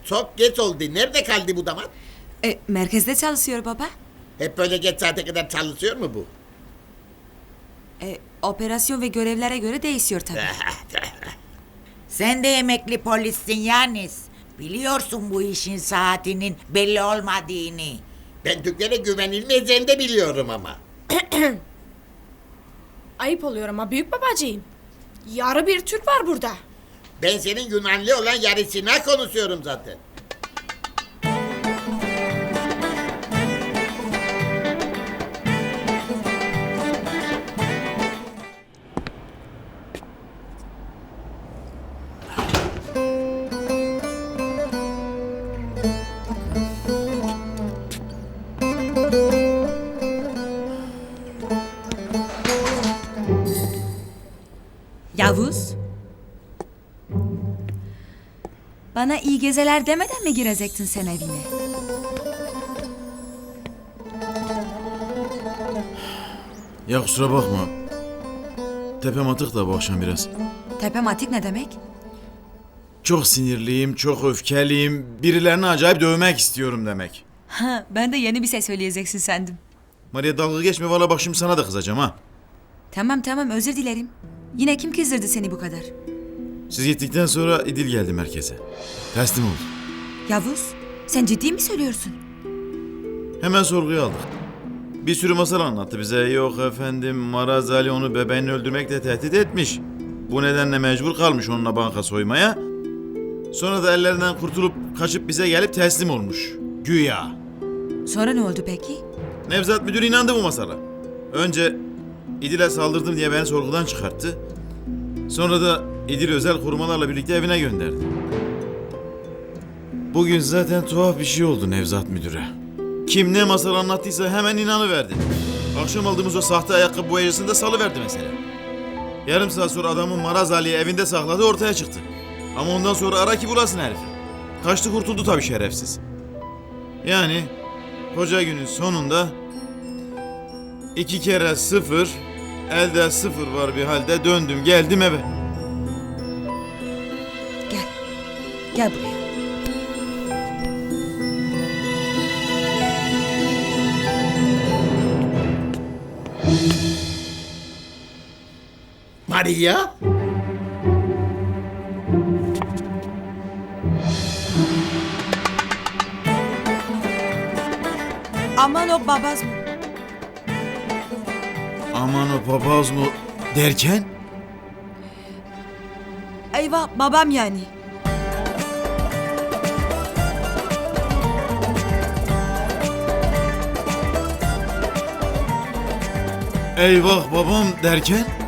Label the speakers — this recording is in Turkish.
Speaker 1: Çok geç oldu. Nerede kaldı bu damat?
Speaker 2: Merkezde çalışıyor baba.
Speaker 1: Hep böyle geç saate kadar çalışıyor mu bu?
Speaker 2: Operasyon ve görevlere göre değişiyor tabii.
Speaker 3: Sen de emekli polissin Yanis. Biliyorsun bu işin saatinin belli olmadığını.
Speaker 1: Ben Türklere güvenilmeyeceğini de biliyorum ama.
Speaker 4: Ayıp oluyor ama büyük babacığım. Yarı bir Türk var burada.
Speaker 1: Ben senin Yunanlı olan yarısına konuşuyorum zaten.
Speaker 2: Yavuz. Bana iyi gezeler demeden mi girecektin sen evine?
Speaker 5: Ya kusura bakma. Tepem atık da bu akşam biraz.
Speaker 2: Tepematik ne demek?
Speaker 5: Çok sinirliyim, çok öfkeliyim. Birilerini acayip dövmek istiyorum demek.
Speaker 2: Ha, ben de yeni bir şey söyleyeceksin sandım.
Speaker 5: Maria dalga geçme, valla bak şimdi sana da kızacağım ha.
Speaker 2: Tamam özür dilerim. Yine kim kızdırdı seni bu kadar?
Speaker 5: Siz gittikten sonra İdil geldi merkeze. Teslim oldu.
Speaker 2: Yavuz, sen ciddi mi söylüyorsun?
Speaker 5: Hemen sorguya aldık. Bir sürü masal anlattı bize. Yok efendim, Maraz Ali onu bebeğini öldürmekle tehdit etmiş. Bu nedenle mecbur kalmış onunla banka soymaya. Sonra da ellerinden kurtulup kaçıp bize gelip teslim olmuş. Güya.
Speaker 2: Sonra ne oldu peki?
Speaker 5: Nevzat müdür inandı bu masala. Önce İdil'e saldırdım diye beni sorgudan çıkarttı. Sonra da İdil özel korumalarla birlikte evine gönderdi. Bugün zaten tuhaf bir şey oldu Nevzat müdüre. Kim ne masal anlattıysa hemen inanıverdi. Akşam aldığımız o sahte ayakkabı boyacısını da salıverdi mesela. Yarım saat sonra adamın Maraz Ali'yi evinde sakladığı ortaya çıktı. Ama ondan sonra ara ki bulasın herifi. Kaçtı kurtuldu tabii şerefsiz. Yani koca günün sonunda 2 kere 0, elde 0 var bir halde döndüm geldim eve.
Speaker 2: Gel buraya.
Speaker 1: Maria?
Speaker 2: Aman o babaz mı?
Speaker 5: Aman o papaz mı derken?
Speaker 2: Eyvah babam yani.
Speaker 5: Eyvah babam derken?